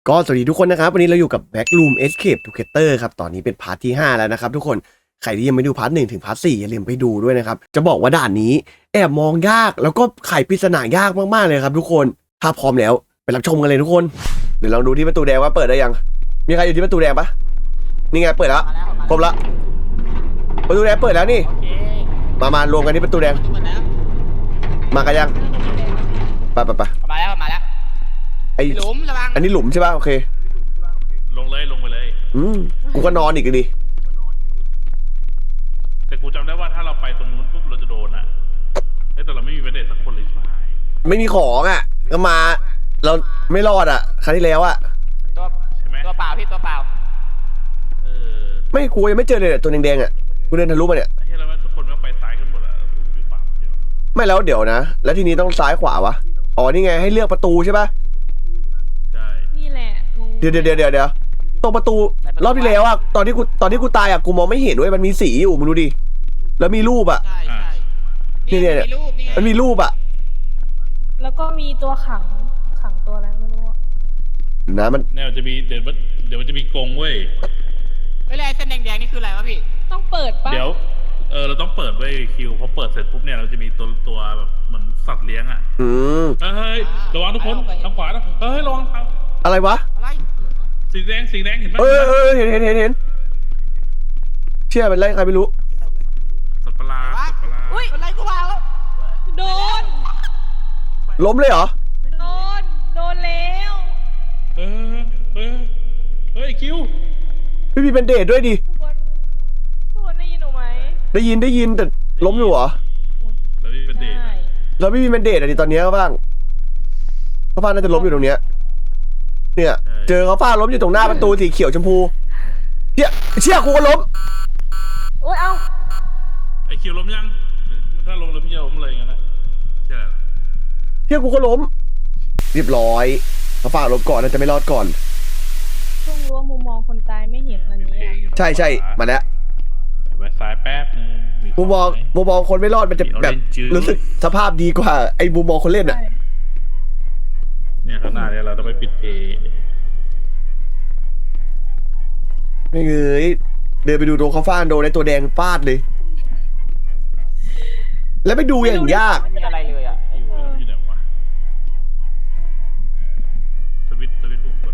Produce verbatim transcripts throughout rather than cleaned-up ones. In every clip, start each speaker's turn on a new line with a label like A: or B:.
A: ก็สวัสดีทุกคนนะครับวันนี้เราอยู่กับ Backroom Escape Together ครับตอนนี้เป็นพาร์ทที่ห้าแล้วนะครับทุกคนใครที่ยังไม่ดูพาร์ทหนึ่งถึงพาร์ทสี่อย่าลืมไปดูด้วยนะครับจะบอกว่าด่านนี้แอบมองยากแล้วก็ไขปริศนายากมากๆเลยครับทุกคนถ้าพร้อมแล้วไปรับชมกันเลยทุกคนเดี๋ยวลองดูที่ประตูแดงว่าเปิดได้ยังมีใครอยู่ที่ประตูแดงปะนี่ไงเปิดแล้วครบละประตูแดงเปิดแล้วนี่มามารวมกันที่ประตูแดงมากันยังไปไปไป
B: มาแล้วมาแล้วไอ้หลุมระวัง
A: อันนี้หลุมใช่ป่ะโอเค
C: ลงเลยลงไปเลย
A: อืมกูก็นอนอีกดิ
C: แต่กูจำได้ว่าถ้าเราไปตรงนู้นปุ๊บเราจะโดนอ่ะแต่เราไม่มีประเด็นสักคนเลยใช่ไหม
A: ไม่มีของอ่ะก็มาเราไม่รอดอ่ะครั้งที่แล้วอ่ะ
B: ตัวใช่ไหมตัวเปล่าพี่ตัวเปล่า
C: เออ
A: ไม่กูยังไม่เจอเลยตัวแดงๆอ่ะกูเดินทะลุมาเนี่ย
C: ไอ้เหี้ยแล้วทุกคนก็ไปซ้ายกันหมดอ่ะกูอยู่ขวาเดียว
A: ไม่แล้วเดี๋ยวนะแล้วทีนี้ต้องซ้ายขวาวะอ๋อนี่ไงให้เลือกประตูใช่ป่ะ
C: ใช่
D: นี่แหละ
A: เดี๋ยวเดี๋ยวเดี๋ยวเดี๋ยวตรงประตูรอบที่แล้วอ่ะตอนที่กูตอนที่กูตายอ่ะกูมองไม่เห็นด้วยมันมีสีอยู่มึงดูดิแล้วมีรูปอ่ะ
B: ใช่ใช่
A: นี่เนี่ยมันมีรูปอ่ะ
D: แล้วก็มีตัวขังขังตัวอะไรไม่รู้
A: นะมัน
C: เนี่ยจะมีเดี๋ยวเดี๋ยวมันจะมีกรงเว้ย
B: เวลาเส้นแดงๆนี่คืออะไรวะพี่
D: ต้องเปิดป่ะ
C: เดี๋ยวเออเราต้องเปิดไว้คิวพอเปิดเสร็จปุ๊บเนี่ยเราจะมีตัวตัวแบบเหมือนสัตว์เลี้ยงอ่ะ
A: อืม
C: เฮ้ยระวังทุกคนทางขวานะเฮ้ยระวัง
A: อะไรวะ
B: อะไร
C: สีแดงสีแดงเห็นไหม
A: เออเออเห็นเห็นเห็นเห็นเชื่อเป็นไรใครไม่รู้
C: สัตว์ประหลาดสัตว์ประหลาด
B: อุ้ยอะไรกูว่า
D: โดน
A: ล้มเลยเหรอ
D: โดนโดนแล้ว
C: เออเออเฮ้ยคิว
A: พี่มีเป็นเดทด้วยดิ
D: ทุกคนทุกคนได้ยินหนูไหม
A: ได้ยินได้ยินแต่ล้มอยู่เหรอ
C: แล้วพี่เป็นเดท
A: แล้วพี่มีเป็นเดทอะไรตอนนี้เขาบ้างเขาฟ้าน่าจะล้มอยู่ตรงเนี้ยเนี่ยเจอเขาฟ้าล้มอยู่ตรงหน้าประตูสีเขียวชมพูเชี่ยเชี่ยกูก็ล้ม
D: โอ้ยเอา
C: ไอคิวล้มยังถ้าล้มแล้วพี่จะล้มเลยงั้นนะใช่
A: เชี่ยกูก็ล้มเรียบร้อยเขาฟ้าล้มก่อนน่าจะไม่รอดก่อน
D: ช่วงรู้ว่ามุมมองคนตายไม่เห็นอันนี้
A: ใช่ใช่มาแล้ว
C: ไปซ้ายแป๊บนึง
A: มุมมองมุมมองคนไม่รอดมันจะแบบรู้สึกสภาพดีกว่าไอ้มุมมองคนเล่นอ่ะ
C: เนี่ยข้างหน้าเนี่ยเราต้องไปปิดเพย์
A: ไม่เงยเดินไปดูโดนเขาฟาดโดนในตัวแดงฟาดเลยแล้วไปดูอย่างยาก
B: ไม่มีอะไรเลยอ่ะ
C: อยู่อยู่ไหนวะสวิตสวิตปุ่มกด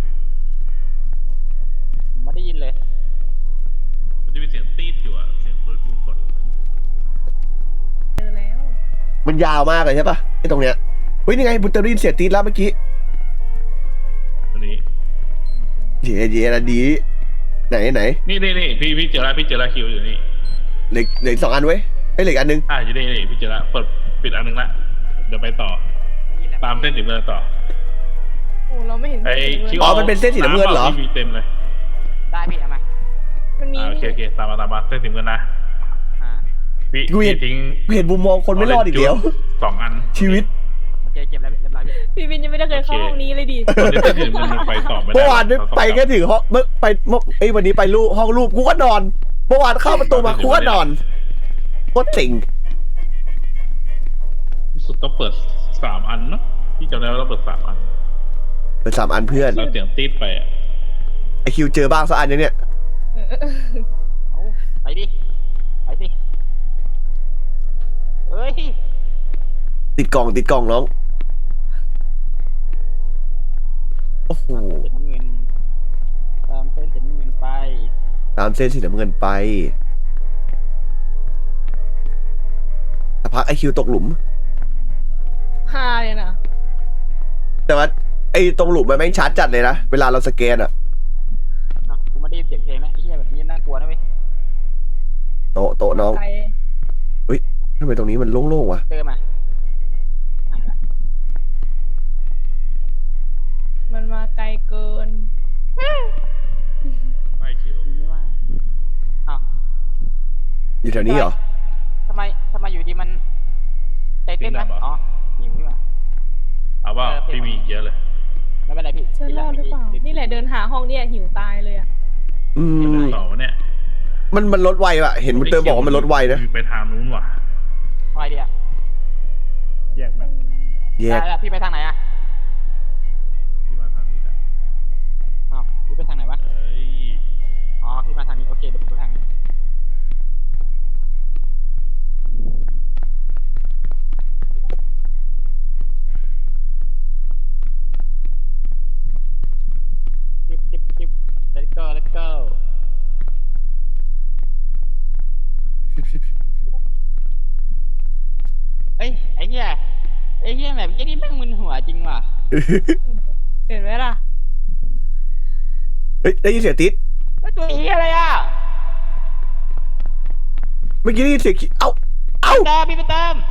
B: ไม่ได้ยินเลย
C: มันจะมีเสียงตีดอยู่อ่ะเสียงสวิตปุ่มกด
D: เจอแล้ว
A: มันยาวมากเลยใช่ปะไอ้ตรงเนี้ยเฮ้ยนี่ไงบุตเตอรีนเสียตีดแล้วเมื่อกี้
C: ตัวนี้
A: เย่เย่ละดีไหนไหน
C: นี่นี่นี่พี่พี่เจอแล้วพี่เจอแล้วคิวอยู่นี่
A: เหล็กเหล็กสองอันไว้ไอ้เหล็กอันนึง
C: อ่าอยู่นี่นี่พี่เจอแล้วเปิดปิดอันนึงละเดี๋ยวไปต่อตามเส้นสีน้ำเงินต่อ
D: โอ้เราไม่เห็น
C: ไอ้คิว
A: อ๋อมันเป็นเส้นสีน้ำเงินเหรอ
C: มีเต็มเลย
B: ได้พี่เอามา
D: มันมี
C: โอเคโอเคตามมาตามมาเส้นสีน้ำเงินนะพี่พี่ทิ้ง
A: เห็นมุมมองคนไม่รอดอีกเดียว
C: สองอัน
A: ชีวิต
B: โอเคเก็บแล้วเรียบร้อย
D: พี่วินยังไม่ได้เคยเข้าห้องนี้เลยดิ
A: เมื่อวานไปแค่ถึงห้องเมื่อไปเมื่อไอ้วันนี้ไปรูปห้องรูปกูก็นอนเมื่อวานเข้าประตูมากูก็นอนโคตรสิง
C: ที่สุดต้องเปิดสามอันเนาะพี่จำได้ว่าเราเปิดสามอัน
A: เปิดสามอันเพื่อน
C: เราเสียงตีดไปอ่ะ
A: ไอคิวเจอบ้างสักอันยังเนี่ย
B: ไปดิไปสิเฮ้ย
A: ติดกล่องติดกล่องน้องโอ้โห
B: ตามเส้นสีน้ำเงินไป
A: ตามเส้นสีน้ำเงินไปสักพักไอคิวตกหลุม
D: ฮาเลยนะ
A: แต่ว่าไอตรงหลุมมันแม่งชัดจัดเลยนะเวลาเราสแกนอ่ะ
B: กูไม่ได้ยินเสียงเพลงนะไอ้เหี้ยแบบนี้น่ากลัวนะเว้ย
A: โตโตน้องเฮ้ยทำไมตรงนี้มันโล่งๆวะ
B: เติมมา
D: มันมาไกลเกิน
C: ไม่คิว
B: ไม่ว่าอ้าว
A: อยู่แถวนี้เหรอ
B: ทำไมทำไมอยู่ดีมันใจเต้นไหมอ๋อหิวนี่ว่ะ
C: เอาว่าพี่มีเยอะเลย
B: ไม่เป็นไรพี่
D: เชื่อรอดหรือเปล่านี่แหละเดินหาห้องเนี่ยหิวตายเลยอ่ะ
A: อืม
C: ต่อเนี่ย
A: มันมันลดไวว่ะเห็นมุตเตอร์บอกว่ามันลดไวนะ
C: ไปทางนู้นว่ะ
B: ไปเดียว
C: แยกมัน
A: แยก
B: พี่ไปทางไหนอ่ะ
C: พี่มาทางนี้แหละ
D: เห็นไหมล่ะ
A: เฮ้ยได้ยินเสียงติด
B: แล้วตัวอีอะไรอ่ะ
A: เมื่อกี้ได้ยินเสียงเอ้าเอ้า
B: เติมพี่ไปเติม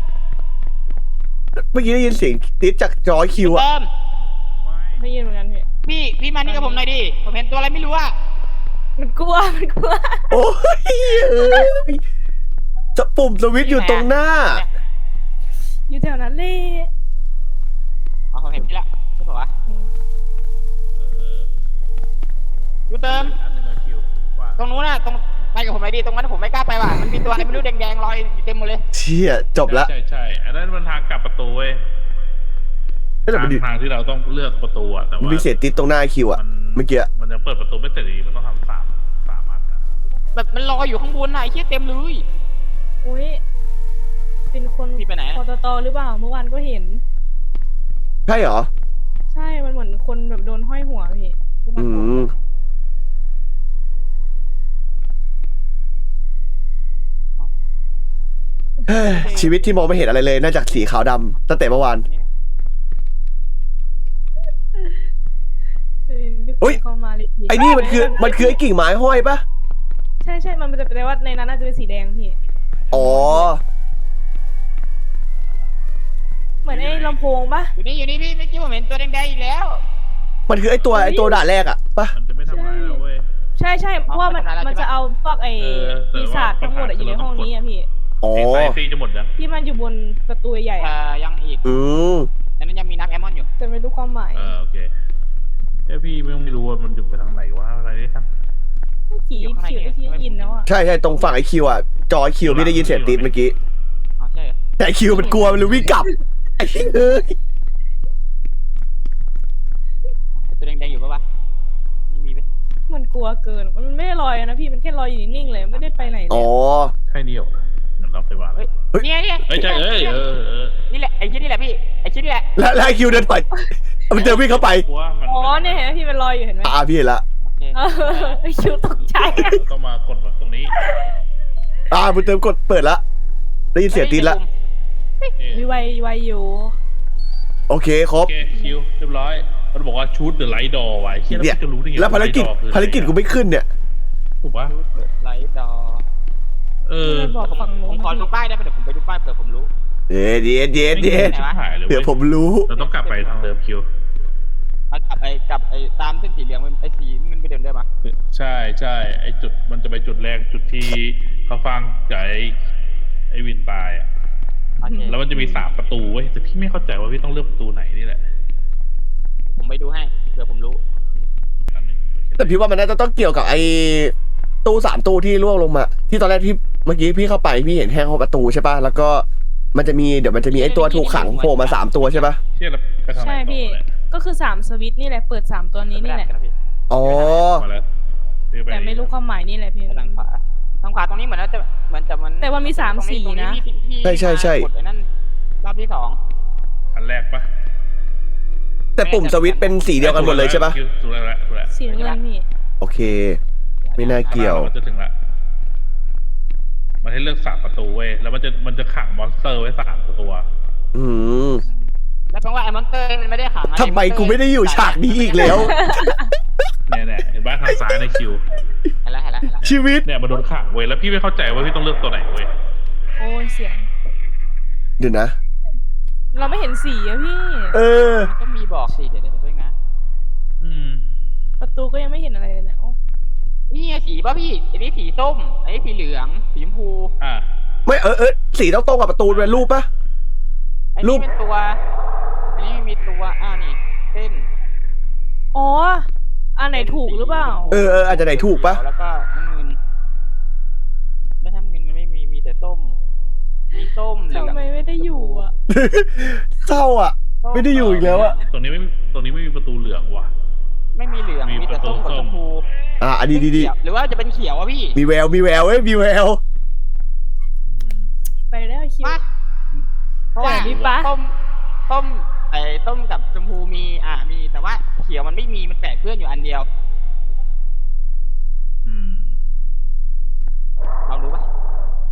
A: เมื่อกี้ได้ยินเสียงติดจากจอคิวอะ
B: เติม
D: ได้ยินเหมือนกันพี่
B: พี่พี่มานี่กับผมหน่อยดิผมเห็นตัวอะไรไม่รู้อ่ะ
D: มันกลัวมันกลัว
A: โอ้ยเอ้ยจะปุ่มสวิตช์อยู่ตรงหน้า
D: อยู่แถวนั้นเลย
B: อ๋อผมเห็นพี่ละใช่ป่าวะ
C: เออ
B: กูเติม
C: อันหนึ่งอะคิวว่า
B: ตรงนู้นน่ะตรงไปกับผมหน่อยดิตรงนั้นผมไม่กล้าไปว่ะมันมีตัวอะไรไม่รู้แดงๆลอยอยู่เต็มหมดเลย
A: เชี่ยจบละ
C: ใช่ใช่อันนั้นมันทางกลับประตูเว้ย
A: ไม่แต่
C: ทา
A: มัน
C: ง
A: ดิ
C: ทางที่เราต้องเลือกประตูอะแต่
A: มัน
C: ว่า
A: มีเสียงติดตรงหน้าคิวอะ
C: มัน
A: เมื่อกี้
C: มันยังเปิดประตูไม่เสร็จดีมันต้องทำสามสามอันอะ
B: แบบมันลอยอยู่ข้างบนน่ะไอ้เชี่ยเต็มเลย
D: อุ้ยเป็นคน
B: พี่ไปไหน
D: ปตตหรือเปล่าเมื่อวานก็เห็น
A: ใช่เหรอ
D: ใช่มันเหมือนคนแบบโดนห้อยหัวพี่
A: อืมเฮ้ยชีวิตที่มองไม่เห็นอะไรเลยนอกจากสีขาวดำตั้งแต่เมื่อวาน เฮ้ย
D: เข้ามาเลยพี่
A: ไอ้นี่มันคือมันคือไอ้กิ่งไม้ห้อยปะ
D: ใช่ใช่มันจะแปลว่าในนั้นน่าจะเป็นสีแดงพี่
A: อ๋อ
D: เหมือนไอ้ลำโพงปะ
B: อยู่นี่อยู่นี่พี่เมื่อกี้ผมเห็นตัวแดงๆอีกแล้ว
A: มันคือไอ้ตัวไอ้ตัวด่านแรกอะปะ
C: มันจะไม่ทำร้ายเราเว้ย
D: ใช่ใช่เพราะว่ามัน
B: เอาไปทำอะไร
D: มันจะเอาพวกไอ้
C: เออแต่
D: ปี
C: ว่า
D: ศาจทั้งหมดอะอยู่ในห้องนี้อะพี่
A: อ๋อ
C: ไอ้ไซซี่จะหมดยัง
D: ที่มันอยู่บนประตูใหญ่
B: เอ่
D: อะ
B: อยังอีก
A: อืม
B: ในนั้นยังมีน้ำแอลมอนอยู่
D: แต่ไม่รู้ความหมาย
C: เออโอเคแค่พี่ไม่รู้ว่ามันจะไปทางไหนวะอะไรนี่ครับ
D: ขี่
B: อยู่ข้างใน
D: ขี่
B: เนี่ย
D: ที่ได้ยินแล้วอะ
A: ใช่ใช่ตรงฝั่งไอคิวอะจอไอคิวพี่ได้ยินเสียงติดเมื่อกี้
B: อ๋อใช่เหรอ
A: แต่ไอคิวมันกลัวมันเลยวิ่งกลับไอ้เอ้ย
B: ตัวแดงๆอยู่ปะวะไม่มีไหม
D: มันกลัวเกินมันไม่ได้ลอยนะพี่มันแค่ลอยอยู่นิ่งๆเลยไม่ได้ไปไหนเล
A: อ๋
D: ย
A: อ
C: ใช่นี่เหรอเหมือนเราไปวาง
B: เฮ้ย
A: เฮ้ย
B: เนี่ยเนี่ย
C: เฮ้ยใช่เอ้ยเออเออ
B: นี่แหละไอ้ชิ้นนี่แหละพี่ไอ้ชิ้นนี่แหละ
A: แล้วแล้วไอคิวเดินไปมันเดินวิ่งเข้าไป
C: กลัวมัน
D: อ๋อเนี่ยเห็นไหมพี่มันลอยอยู่เห็นไหม
A: อ่าพี่เห็นละ
B: โอเค
D: เออไอคิวตกใจอะ
C: เราต้องมากดแบบตรงนี้
A: อ่าบุญเติมกดเปิดละได้ยินเสียงติดละ
C: นี่
D: มีไวไวอยู่
A: โอเคคร
C: โอบ เคคิวเรียบร้อยมันบอกว่าชูดเดอะไลท์ดอไว้เฮีย
A: เนี่ย
C: แล้วจะรู้ได้ไง
A: แล้วภารกิจ
C: ไท์ดอคืออะไ
A: ภารกิจกูไม่ขึ้นเนี่ย
C: ถูกปะ
B: ไลท์ดอ
C: เออ
D: ไม่บอกฝั่ง
B: ผ
D: นู้
B: ม
D: น
B: ขอดูป้ายได้ไหมเดี๋ยวผมไปดูป้ายเผื่อผมรู้
A: เดี๋ยวเดี๋ยวเดี๋ยวเดี๋ยว
C: ชิบหายเลย
A: เดี๋ยวผมรู้
C: เราต้องกลับไปทางเดิมคิว
B: เอากลับไอ้กลับไอ้ตามเส้นสีเหลืองไปไอ้สีเงินไปเดินได้ปะ
C: ใช่ใช่ไอจุดมันจะไปจุดแรกจุดที่เขาฟังกับไอไอวินตายอ่ะ
B: โอเค
C: แล้วมันจะมีสามประตูเว้ยแต่พี่ไม่เข้าใจว่าพี่ต้องเลือกประตูไหนนี่แหละ
B: ผมไปดูให้เผื่อผมรู้
C: อันหนึ่ง
A: แต่พี่ว่ามันน่าจะต้องเกี่ยวกับไอ้ตู้สามตู้ที่ล่วงลงมา ที่ตอนแรกที่เมื่อกี้พี่เข้าไปพี่เห็นแค่ห้องประตูใช่ป่ะแล้วก็มันจะมีเดี๋ยวมันจะมีไอ้ตัวถูกขังโผล่มาสามตัวใช่ป่ะ
C: เชื่อแล้วไปทางไหน
D: ใช่
C: ต่อ
D: พี่
C: เนี่ย
D: ก็คือสามสวิตช์นี่แหละเปิดสามตัวนี้นี่แหละ
A: อ๋อ
C: มาแล้วพี่ป
D: แต่ไม่รู้ความหมายนี่แหละพี่
B: ไปทางขวาทางขวาตรงนี้เหมือนว่าจะเหมือนจะมัน
D: แต่มันมีสาม
B: ตรง
D: สี
B: ตรง
D: นะ
B: ที่ที่
A: ใช่ใช่ใช่
B: กดไอ้นั่นรอบที่สอง
C: อันแรกปะ
A: แต่ปุ่มสวิตช์เป็นสีเดียวกันหมดเลยใช่ป่ะ
C: ถูกแล้วถูกแล้วถูกแล้ว
D: สีน้ำเงินพี่
A: โอเค ไม่น่าเกี่ยว
C: มันจะถึงละมันให้เลือกสามประตูเว้ยแล้วมันจะมันจะขังมอนสเตอร์ไว้สามตัว
A: อืม
B: แล้วแปลว่าไอ้มอนเตอร์มันไม่ได้ขังอะ
A: ทำไมกูไม่ได้อยู่ฉากนี้อีกแล้ว
C: เนี่ยเนี่ยเห็นบ้านทางซ้ายในคิว
B: เห็นแล้วเห็นแล้วเห็นแล้ว
A: ชีวิต
C: เนี่ยมาโดนขังเว้ยแล้วพี่ไม่เข้าใจว่าพี่ต้องเลือกตัวไหนเว้ย
D: โอ้ยเสียง
A: เดี๋ยวนะ
D: เราไม่เห็นสีอะพี่
A: เออ
B: มันก็มีบอกสิเดี๋ยวเดี๋ยวเพิ่งนะ
C: อืม
D: ประตูก็ยังไม่เห็นอะไรเลยเนี่ยโอ้
B: นี่ไงสีป่ะพี่อันนี้สีส้มอันนี้สีเหลืองสีชมพู
C: อ่ะ
A: ไม่เออเออสีต้องตรงกับประตูเป็นรูปป่ะ
B: อัน
A: รู
B: นี้
A: ป
B: เป็นตัว อันนี้มีตัวอ่านี่เส้น
D: อ๋ออันไหนถูกหรือเปล่า
A: เออเอออาจจะไหนถูกป่ะ
B: แล้วก็น้ำเงินไม่ทำเงินมันไม่มีมีแต่ส้ม มีส้มเหลือง
D: ทำไมไม่ได้อยู่อะ
A: เศร้าอ่ะ
B: ส้
A: ไม่ได้อยู่อีกแล้วอะ
C: ตรงนี้ไม่มีตรงนี้ไม่มีประตูเหลืองว่ะ
B: ไม่มีเหลือง
C: มี
B: มีแต่ส้ม
C: ประตู
B: กับ
C: ส้
B: ช
C: ม
B: มพู
A: อ่ะอันนี้ดีดี
B: เขียวหรือว่าจะเป็นเขียวอะพี่
A: มีแววมีแววเอ้ยมีแวว
C: อืม
D: ไปแล้วคิว
B: มาเพราะว่า
D: แต่นี่ปะ
B: ส้มส้มไอ้ส้มกับชมพูมี อ่า มีแต่ว่าเขียวมันไม่มีมันแปะเพื่อนอยู่อันเดียว
C: อืม
B: เรารู้ปะ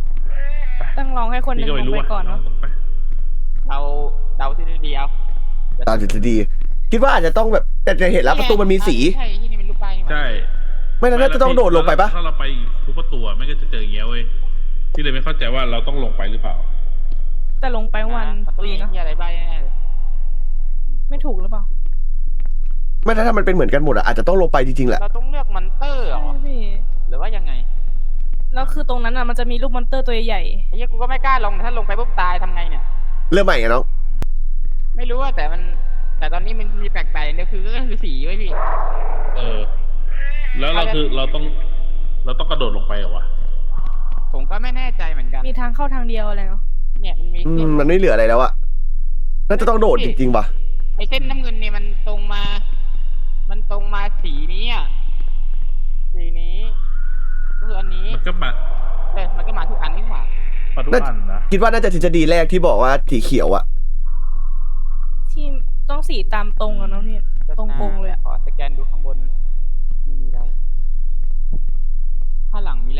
D: ต้องลองให้คนหนึ่
C: พี่
D: ง
C: ก็
D: ล
C: ไม่
D: ง
C: รู้
D: ไป
C: อ่ะ
D: ก่อนเนาะ
C: ไป
B: เราเดาที่เดียว
A: ตามทฤษฎีคิดว่าอาจจะต้องแบบแต่จะเห็นแล้วประตูมันมีสี
B: ใช่ที่นี่เป็นรูปป้ายนี่หว่า
C: ใช่
A: ไม่นั้นน่าจะต้องโดดลงไปปะ
C: ถ้าเราไปทุกประตูอะไม่ก็จะเจออย่างเงี้ยเว้ยที่เลยไม่เข้าใจว่าเราต้องลงไปหรือเปล่า
D: แต่ลงไปวัน
B: มันต้
D: ตั
B: อง
D: วเอ
B: มี
D: งอะ
B: ที่อะไรบ้างแน่ๆเลย
D: ไม่ถูกหรือเปล่า
A: ไม่ถ้ามันเป็นเหมือนกันหมดอะอาจจะต้องลงไปจริงๆแหละ
B: เราต้องเลือกมอนเตอร์เหร
D: ใช่
B: อ
D: พี่
B: หรือว่ายังไง
D: แล้วคือตรงนั้นอะมันจะมีรูปมอนเตอร์ตัวใหญ่
B: ไอ้เหี้ยกูก็ไม่กล้าลงถ้าลงไปปุ๊บตายทำไงเนี่ย
A: เริ่มใหม่ไงน้อง
B: ไม่รู้ว่าแต่มัน แต่ตอนนี้มันมีแปลกๆอย่างเดียวคือก็คือสีไว้พี่
C: เออ แล้วเราคือเราต้อง เราต้องกระโดดลงไปเหรอวะ
B: ผมก็ไม่แน่ใจเหมือนกัน
D: ๆมีทางเข้าทางเดียวอะไรเนาะ
B: เนี่ยมันมี
A: อื
B: เส้
A: ม
B: น
A: มันไม่เหลืออะไรแล้วอะน่าจะต้องโดดจริงๆว่ะ
B: ไอ้เส้นน้ำเงินเนี่ยมันตรงมา มันตรงมาสีนี้อ่ะ สีนี้ก็คืออันนี้
C: มันก็มา
B: เออมันก็มาทุกอันนี่หว่า
C: มาทุกอันนะ
A: คิดว่าน่าจะทฤษฎีแรกที่บอกว่าสีเขียวอะ
D: ที่ต้องสีตามตรงอะเนาะพี่ ตรงๆเลยอะ
B: ขอสแกนดูข้างบนไม่มีอะไรข้างหลังมีอะไร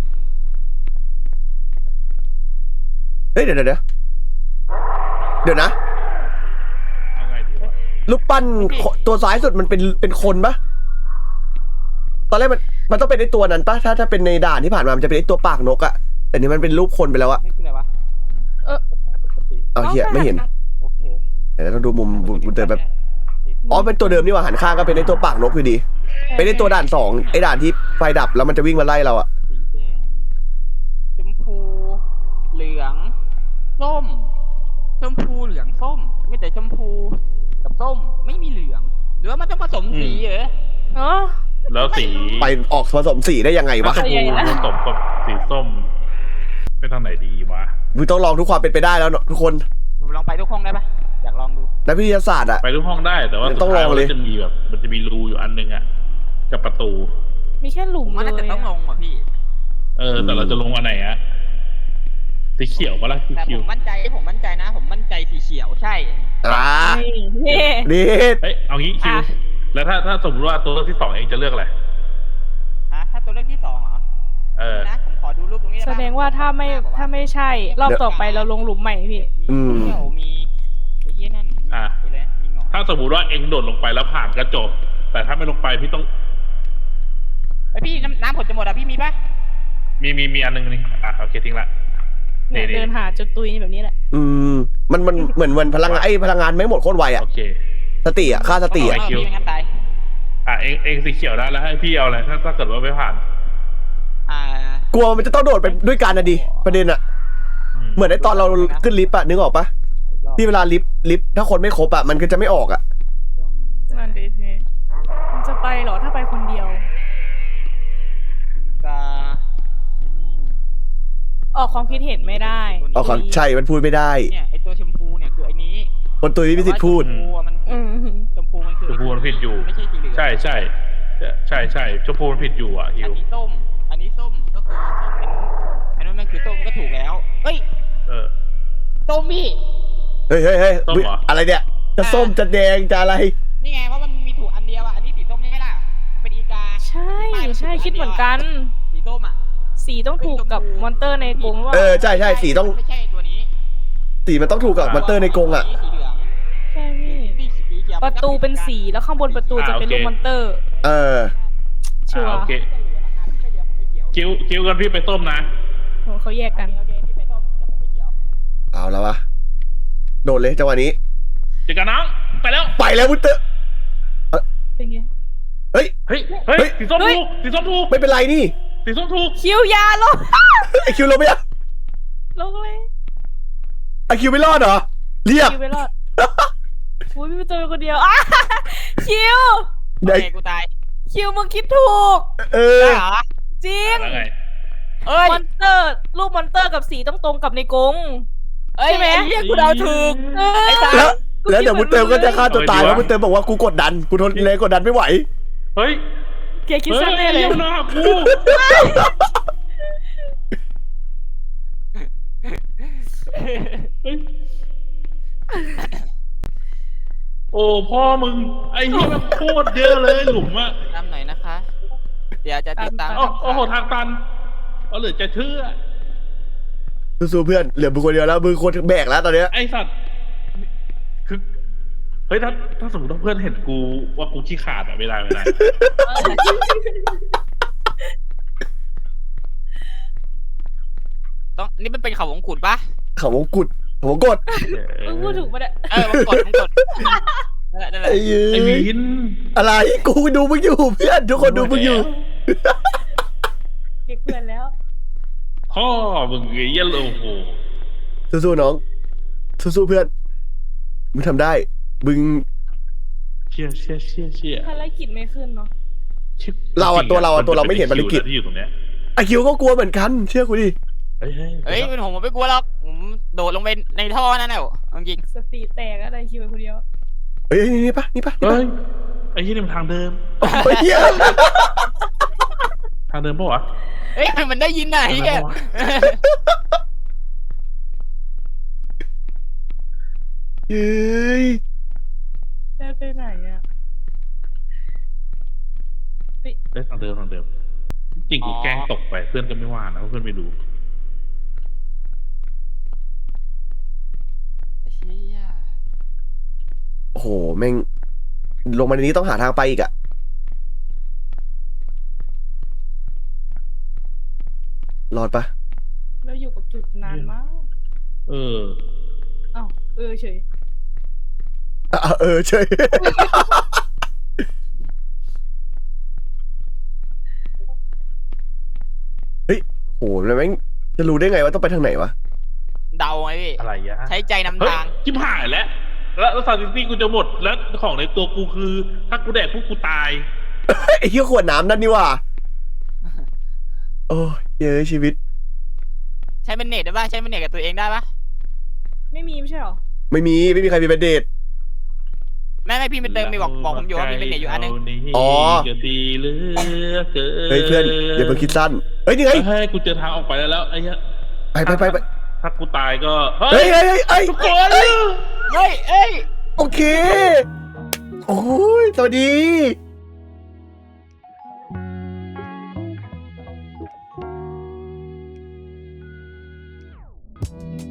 A: เฮ้ยเดี๋ยวเดี๋ยวเดี๋ยวเดี๋ยวนะ
C: เอาไงดีวะ
A: รูปปั้นคนตัวซ้ายสุดมันเป็นเป็นคนปะตอนแรกมันมันต้องเป็นไอตัวนั้นปะถ้าถ้าเป็นในด่านที่ผ่านมามันจะเป็นไอตัวปากนกอะแต่นี่มันเป็นรูปคนไปแล้วอะ
B: นี่คืออะไรวะ
D: เออ
B: ปกติ
A: เอาเหี้ยไม่เห็น
B: โอเค
A: เดี๋ยวเราดูมุมมุมมุมเดิมแบบอ๋อเป็นตัวเดิมนี่หว่าหันข้างก็เป็นไอตัวปากนกอยู่ดี เป็นไอตัวด่านสองไอด่านที่ไฟดับแล้วมันจะวิ่งมาไล่เราอะ
B: สีแดงชมพู เหลือง ส้ม ชมพูเหลืองส้มไม่แต่ชมพูกับส้มไม่มีเหลือง หรือว่ามันต้องผสมสีเหรอ
D: เนาะ
C: แล้วสี
A: ไปออกผสมสีได้ยังไงวะ
C: ชม
D: ใหญ่
C: พู
D: นะ
C: ผสมกับสีส้มไปทางไหนดีวะ
A: มึงต้องลองทุกความเป็นไปได้แล้วเนอะทุกคน
B: ผมลองไปทุกห้องได้ปะอยากลองดู
A: นักวิทยาศาสตร์อะ
C: ไปทุกห้องได้แต่ว่า
A: ต้องลองเลย
C: สุดท้ามันจะมีแบบ มันจะมีรูอยู่อันนึงอะกับประตู
D: มีแค่หลุ
B: ผม มว่า
D: เล
B: น่าจะ
D: ย
B: ต้องล
D: อะ
B: งว่ะพี่
C: เออ แต่เราจะลงอันไหนอะสีเขียวปะล่ะสี
B: แต่ผ
C: เขียว
B: มมั่นใจผมมั่นใจนะ ผมมั่นใจสีเขียวใช่
A: อ่า
D: นี่นี่
A: นี่
C: เฮ้ยเอางี้คิว
D: อ่ะ
C: แล้วถ้าถ้าสมมติว่าตัวเลือกที่สองเองจะเลือกอะไร
B: ฮะถ้าตัวเลือกที่สองเหรอ
C: เออ
B: นะผมขอดูรูปตรงนี้
D: แสดงว่าถ้าไม่ถ้าไม่ใช่ รอบต่อไปเราลงหลุมใหม่พี่
A: อืม
B: มีเขียวมีไอ้เหี้ยนั่น
C: อ่ะ
B: ไปเลยมีหงอก
C: ถ้าสมมติว่าเองโดดลงไปแล้วผ่านก็จบ แต่ถ้าไม่ลงไปพี่ต้อง
B: ไอยพี่น้ำน้ำผลจะหมดอ่ะพี่มีปะ
C: มีมีมีอันนึงนี่อ่ะโอเคทิ้งละ
D: เนี่ย
C: นี่
D: เดินหาจนตุยแบบนี้แหละ
A: อืมมันมันเหมือนมันพลังงานไอ้พลังงานไม่หมดโคตรไวอะ
C: โอเค
A: สติอะค่าสติ
B: เอ
A: อะ
B: อพี่ไม่งั้นตาย
C: อ่ะเองเองสีเขียวได้แล้วให้พี่เอาอะไรถ้าถ้าเกิดว่าไม่ผ่าน
B: อ่าก
A: ลัวมันจะต้องโดดไปด้วยกันนะดิประเด็นอะเหมือนไอ้ตอนเราขึ้นลิฟต์อะนึกออกปะที่เวลาลิฟต์ลิฟต์ถ้าคนไม่ครบอะมันก็จะไม่ออกอะ
D: นั่นดิพี่มันจะไปเหรอถ้าไปคนเดียว
B: กาอืม
D: ออกความคิดเห็นไม่ได้
A: เอาความใช่มันพูดไม่ได้
B: เนี่ยไอตัวชมพูเนี่ยคือไอนี้
A: คนตุยไม่มีสิทธิ์พูด
B: ชมพูอะมัน
D: อืม
B: ชมพูมันคือ
C: ชมพูมันผิดอยู่
B: ไม่ใช่สีเหลือง
C: ใช่ใช่ใช่ใช่ใช่ชมพูมันผิดอยู่อ่ะฮิ
B: อัน
C: ว
B: นี้ส้ม อันนี้ส้มก็คือส้มเป็นอันนู้นมันคือส้มก็ถูกแล้วเฮ้ย
C: เออ
B: ส้มพี่
A: เฮ้ยเฮ้ยเฮ้ย
C: ส้มเหรอ
A: อะไรเนี่ยจะส้มจะแดงจะอะไร
B: นี่ไงเพราะมันมีถูกอันเดียวอ่ะอันนี้สีส้มใช่ไหมล่ะเป็นอีกา
D: ใช่ใช่คิดเหมือนกัน
B: สีส้มอ่ะ
D: สีต้องถูกกับมอนเตอร์ในกรงว่า
A: เออใช่ใช่สีต้อง
B: ไม่ใช่ตัวนี้
A: สีมันต้องถูกกับมอนเตอร์ในกรงอะ
B: สีเหลือง
D: ใช่พี่
B: สีสีเขียว
D: ประตูเป็นสีแล้วข้างบนประตูจะเป็นรูปมอนเตอร์
A: เออ
D: ชัว
C: อ่ะ
D: ร์
C: โอเคคิวคิวกันพี่ไปส้มนะ
D: โหเขาแยกกัน
B: โอเคพี่ไปส้มเดี๋ยวผมไปเขียว
A: เอาแล้ววะโดดเลยจังหวะนี้
C: เจอกันน้องไปแล้ว
A: ไปแล้วมุตเตอร์
D: เป็นไง
A: เฮ้ย
C: เฮ้ยเฮ้ย
A: เฮ้ย
C: สีส้ม
D: เฮ้ย
C: ถูกสีส้มถูก
A: ไม่เป็นไรนี่
C: สีส้มถูก
D: คิวยาลง
A: ไอคิวเราไม่อะ
D: ลงเลย
A: ไอคิวไม่รอดเหรอเรียบ
D: คิวไปรอดอุ้ยพี่เป็นตัวเป็นคนเดียวอ่ะคิว
B: โอ
A: ไหน
B: เคกูตาย
D: คิวมึงคิดถูก
A: เออ
B: ได้เหรอ
D: จริง
C: แล้วไง
B: เอ้ย
D: มอนเตอร์รูปมอนเตอร์กับสีต้องตรงกับในกรง
B: เอ้ย
D: ใช่ไหม
B: อ้เหี้ยกูเดาถูก
D: เออ
B: ไอ้ตา
A: แล้วแล้วเดี๋ยวมุตเตอร์ก็จะฆ่าตัวตายแล้วมุตเตอร์บอกว่ากูกดดันกูทนแรงกดดันไม่ไหว
C: เฮ้ย
D: เกียร์คิด
C: เฮ้ย
D: สั้นแน่เลย
C: เหี้ยมันมาหากูเฮ้ยโอ้พ่อมึงไอ้เหี้ยมันโคตรเยอะเลยหลุมอะ
B: ตามหน่อยนะคะ เดี๋ยวจะติดตาม
C: โอ้โอ้โหทางตันเอาเหลือจะเชื่อ
A: สู้ๆเพื่อนเหลือมึงคนเดียวแล้วมึงคนแบกแล้วตอนเนี้ย
C: ไอสัตว์คือเฮ้ยถ้าถ้าสมมติว่าเพื่อนเห็นกูว่ากูขี้ขาดอะไม่ได้ไม่ได้
B: ต้องนี่มันเป็นเขาวงกุฎปะ
A: เขาวงกุดเขาวงกด
D: มึงพูดถูกปะเนี่ย
B: เออวงกฎวงกฎนั่นแหละนั่นแหละ
A: ไอ้เหี้
C: ไอ้
A: ย
C: วิน
A: อะไรกูดูมึงอยู่เพื่อนทุกคนดูมึงอยู่
D: เด็กเพื่อนแล้ว
C: พ่อมึงไอ้เหี้ยโลโห
A: สู้ๆน้องสู้ๆเพื่อนมึงทำได้มึง
C: เชี่ยเชี่ยเชี่ยเชี่ย
D: ภารกิจไม่ขึ้นเนาะ
C: ชิบ
A: เราอะตัวเราอะตัวเราไม่เห็นภารกิจ
C: ที่อยู่ตรงเนี้ย
A: ไอคิวก็กลัวเหมือนกันเชื่อกูดิ
C: เฮ้ยเฮ้ย
B: เฮ้ยเป็นผมผมไม่กลัวหรอกผมโดดลงไปในท่อนั่นแหละเอาจริง
D: สติแตกอะไรคิวไปคนเดียว
A: เฮ้ยนี่ปะนี่ปะนี่
C: เฮ้
A: ปะ
C: ยไอ้เหี้ยนี่มันทางเดิม
A: เฮ้ยเหี้ย
C: ทางเดิมปะวะ
B: เฮ้ยมันได้ยินน่ะไอ้เหี้ย
A: เฮ้ย
D: เดินไปไหนอะ
C: ได้ทางเดิมทางเดิม จริงกูแกล้งตกไปเพื่อนก็ไม่ว่านะเพราะเพื่อนไม่ดู
B: ไอ้เชี่ย
A: โอ้โหแม่งลงมาในนี้ต้องหาทางไปอีกอะรอดปะ
D: แล้วอยู่กับจุดนานมาก
C: เออ
D: อ้าวเออเฉย
A: อ่ะเออใช่ เฮ้ยโหแล้วแม่งจะรู้ได้ไงว่าต้องไปทางไหนวะ
B: เดาไงพี่
C: อะไรยะ
B: ใช้ใจนำ
C: เฮ้ย
B: ทาง
C: ชิบหายแล้ว แล้วแล้วซาซิตี้กูจะหมด แล้วของในตัวกูคือ ถ้ากูแดกพวกกูตาย
A: ไอ้เหี้ยขวดน้ำนั่นนี่ว่ะโอ้ยเย้ยชีวิต
B: ใช้เป็นเน็ตได้ปะใช้เป็นเน็ตกับตัวเองได้ปะ
D: ไม่มีไม่ใช่หรอ
A: ไม่มีไม่มีใครมีเป็นเดท
B: แม่ไม่พี่ไปเติมมีบอกบอกผมอยู่ว่ามีเป็นเน็ตอยู่อันนึง
A: อ๋อ
C: ก็ดีเหลือเกิน
A: เฮ้ยเพื่อนอย่าเพิ่งคิดสั้นเฮ้ยนี่ไง
C: เฮ้ยกูเจอทางออกไปแล้วแล้วไอ้เหี้ย
A: ไปไปไปไป
C: ถ้ากูตายก็
A: เฮ้ยเฮ้ยเฮ้ยเฮ้ย
C: ทุกคน
A: เฮ้ย
B: เฮ้ยเอ้ย
A: โอเคโอ้ยสวัสดี